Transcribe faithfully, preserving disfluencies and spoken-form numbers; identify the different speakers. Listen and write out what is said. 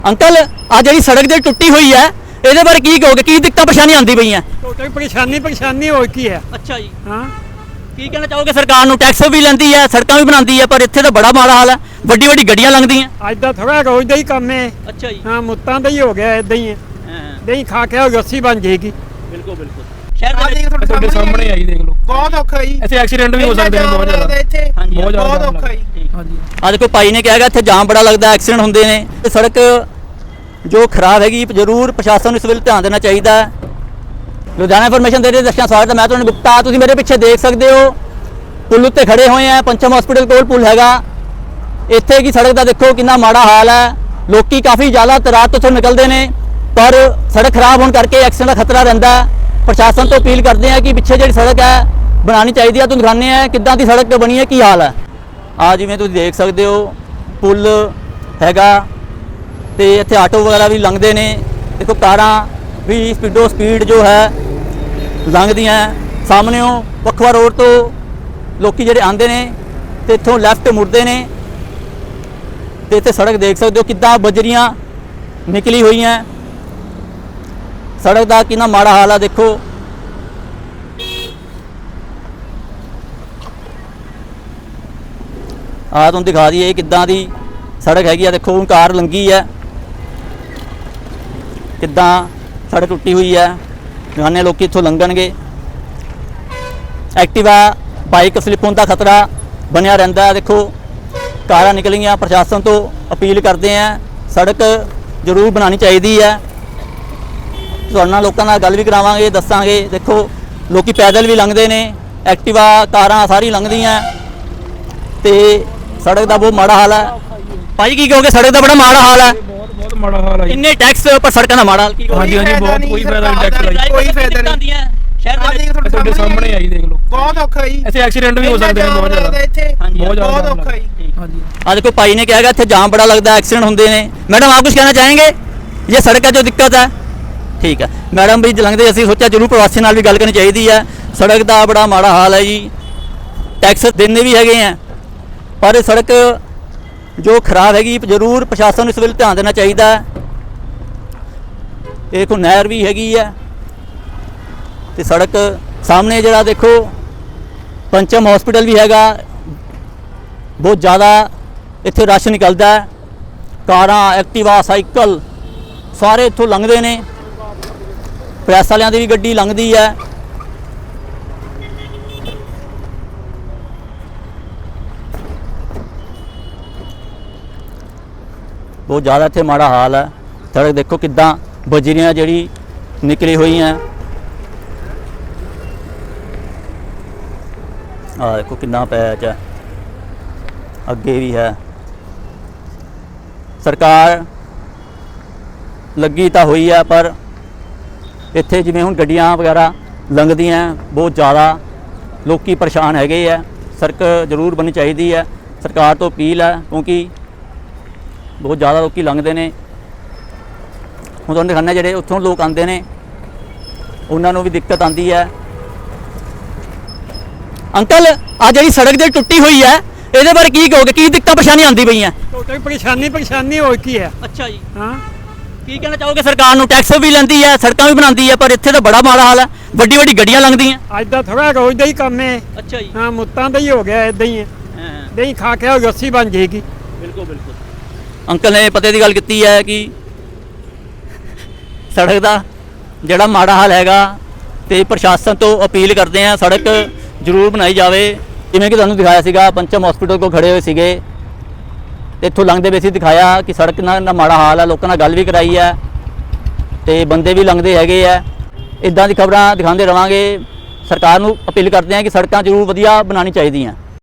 Speaker 1: Uncle आ जी सड़क जो टुटी हुई है ये बारे की कहोगे की दिक्कत परेशानी आती पई है?
Speaker 2: परेशानी परेशानी हो की है।
Speaker 1: अच्छा जी
Speaker 2: हाँ
Speaker 1: की कहना चाहोगे? सरकार नूं टैक्स भी लैंदी है सड़क भी बनाती है पर इत्थे तो बड़ा माड़ा हाल है, वड्डी वड्डी गड्डियां लंघदियां।
Speaker 2: अज का थोड़ा रोज का ही काम है।
Speaker 1: अच्छा जी
Speaker 2: हाँ मुत्तां दा ही हो गया इदा ही है। दही खा के रस्सी बन जाएगी।
Speaker 1: बिल्कुल बिल्कुल शहर
Speaker 3: ਆ ਦੇਖ ਤੁਹਾਡੇ ਸਾਹਮਣੇ ਆਈ ਦੇਖ ਲਓ
Speaker 2: बहुत औखा जी
Speaker 3: ਇੱਥੇ ਐਕਸੀਡੈਂਟ ਵੀ ਹੋ ਸਕਦੇ ਨੇ ਬਹੁਤ ਜ਼ਿਆਦਾ
Speaker 2: ਇੱਥੇ
Speaker 3: ਬਹੁਤ ਜ਼ਿਆਦਾ
Speaker 2: बहुत औखा जी।
Speaker 3: ਹਾਂਜੀ
Speaker 1: आ देखो भाई ने कहा इत्थे जाम बड़ा लगता एक्सीडेंट होंगे ने ते सड़क जो खराब हैगी जरूर प्रशासन इस वेले ध्यान देना चाहिए। लुधियाना इन्फॉर्मेशन दे रही दर्शक स्वागत है, मैं तुहानू गुप्ता। तुसीं मेरे पीछे देख सकते हो पुल उत्ते खड़े हुए हैं, पंचम हॉस्पिटल कोल पुल हैगा। इत्थे की सड़क का देखो कितना माड़ा हाल है, लोग काफ़ी ज़्यादा रात तो निकलते हैं पर सड़क खराब होने करके एक्सीडेंट का खतरा रहिंदा है। प्रशासन तो अपील करते हैं कि पिछे जी सड़क है बनानी चाहिए। तुहानू दिखाने हैं किद्दां दी सड़क बनी है, की हाल है। आ जिवें तुसीं देख सकते हो पुल हैगा ते इत्थे आटो वगैरह भी लंघदे ने। देखो कारां भी स्पीडो स्पीड जो है लंघदियां। सामने पखवा रोड तो लोग जिहड़े आंदे ने ते इत्थों लैफ्ट मुड़दे ने ते इत्थे सड़क देख सकते हो किद्दां बजरियां निकली हुई हैं। सड़क का कितना माड़ा हाल है देखो। आ तुम दिखा दिए किद्दां दी सड़क हैगी है। देखो कार लंघी है किद्दां सड़क टुटी हुई है, दिखाने लोग इत्थों लंघणगे। एक्टिवा बाइक स्लिप होने का खतरा बनया रहिंदा है। देखो कारां निकलियां। प्रशासन तो अपील करते हैं सड़क जरूर बनानी चाहिए है। तुहाडे नाल लोकां नाल गल भी करावांगे, दस्सांगे। देखो लोग पैदल भी लंघदे ने, एक्टिवा कारां सारी लंघदियां ते सड़क का बहुत माड़ा हाल है। भाई की कहोगे सड़क का बड़ा माड़ा हाल है?
Speaker 3: ਬਹੁਤ ਬਹੁਤ ਮਾੜਾ ਹਾਲ ਹੈ ਜੀ।
Speaker 1: इन्ने टैक्स पर सड़कों का माड़ा हाल की
Speaker 3: ਹਾਂਜੀ ਹਾਂਜੀ ਬਹੁਤ ਕੋਈ ਫਾਇਦਾ ਨਹੀਂ ਟੈਕਸ ਦਾ ਜੀ।
Speaker 2: कोई फायदा नहीं।
Speaker 1: शहर
Speaker 2: आ
Speaker 1: दे
Speaker 2: देख
Speaker 3: ਤੁਹਾਡੇ ਸਾਹਮਣੇ ਆਈ ਦੇਖ ਲਓ
Speaker 2: बहुत औखा जी।
Speaker 3: ਇੱਥੇ ਐਕਸੀਡੈਂਟ ਵੀ ਹੋ ਸਕਦੇ ਨੇ ਬਹੁਤ ਜ਼ਿਆਦਾ
Speaker 2: ਇੱਥੇ
Speaker 3: ਬਹੁਤ ਜ਼ਿਆਦਾ
Speaker 2: बहुत
Speaker 3: ਜਾਮ
Speaker 2: औखा जी।
Speaker 3: ਲੱਗਦਾ। ਹਾਂਜੀ
Speaker 1: आ देखो भाई ने कहा इत्थे जाम बड़ा लगता है एक्सीडेंट होंगे ने। मैडम आप कुछ कहना चाहेंगे? ये सड़क का जो दिक्कत है ठीक है मैडम भी लंघते असीं सोचा जरूर प्रवासी नाल भी गल करनी चाहिए है। सड़क का बड़ा माड़ा हाल है जी, टैक्स देने भी हैगे हैं पर सड़क जो खराब हैगी जरूर प्रशासन इस वेले ध्यान देना चाहिए। एक नहर भी हैगी है तो सड़क सामने जरा देखो पंचम हॉस्पिटल भी हैगा। बहुत ज़्यादा इत्थे रश निकलता है, कारां एक्टिवा साइकिल सारे इत्थों लंघदे ने। प्रैस वालियां दी भी गड्डी लंघदी है। बहुत ज़्यादा इत्थे माड़ा हाल है। सड़क देखो किद्दां बजरियां जिहड़ी निकली हुई हैं। आ देखो कितना पैच है, अगे भी है। सरकार लगी तो हुई है पर इत्थे जिवें हुण गड्डियां वगैरह लंघदियां बहुत ज़्यादा लोग परेशान हैगे है। सड़क जरूर बननी चाहिए है। सरकार तो अपील है क्योंकि बहुत ज़्यादा लोग लंघते हैं। हुण तुहानूं दिखाने जिहड़े उत्थों लोग आते हैं उन्होंने भी दिक्कत आती है। अंकल आ जी सड़क जो टुटी हुई है ये बारे की कहोगे की दिक्कत परेशानी आती पई है?
Speaker 2: परेशानी परेशानी हो की है।
Speaker 1: अच्छा जी
Speaker 2: हाँ
Speaker 1: की कहना चाहोगे? सरकार नूं टैक्स भी लैंदी है सड़क भी बनाती है पर इत्थे तो बड़ा माड़ा हाल है, वड्डी वड्डी गड्डियां लंघदियां।
Speaker 2: अज का थोड़ा रोज का ही काम है।
Speaker 1: अच्छा जी
Speaker 2: हाँ मुत्तां दा ही हो गया इदा ही है। दही खा के रस्सी बन जाएगी।
Speaker 1: बिल्कुल बिल्कुल अंकल ने पते की गल की है कि सड़क का जोड़ा माड़ा हाल हैगा तो प्रशासन तो अपील करते हैं सड़क जरूर बनाई जाए। जिवें कि तुहानूं दिखाया सीगा पंचम हॉस्पिटल को खड़े हुए सीगे इत्थों लंघदे वे सी, दिखाया कि सड़क ना माड़ा हाल है। लोगों नाल गल भी कराई है तो बंदे भी लंघदे हैगे है। इदां दी खबरां दिखाते रहांगे। सरकार नूं अपील करते हैं कि सड़कां जरूर वधिया बनानी चाहिए।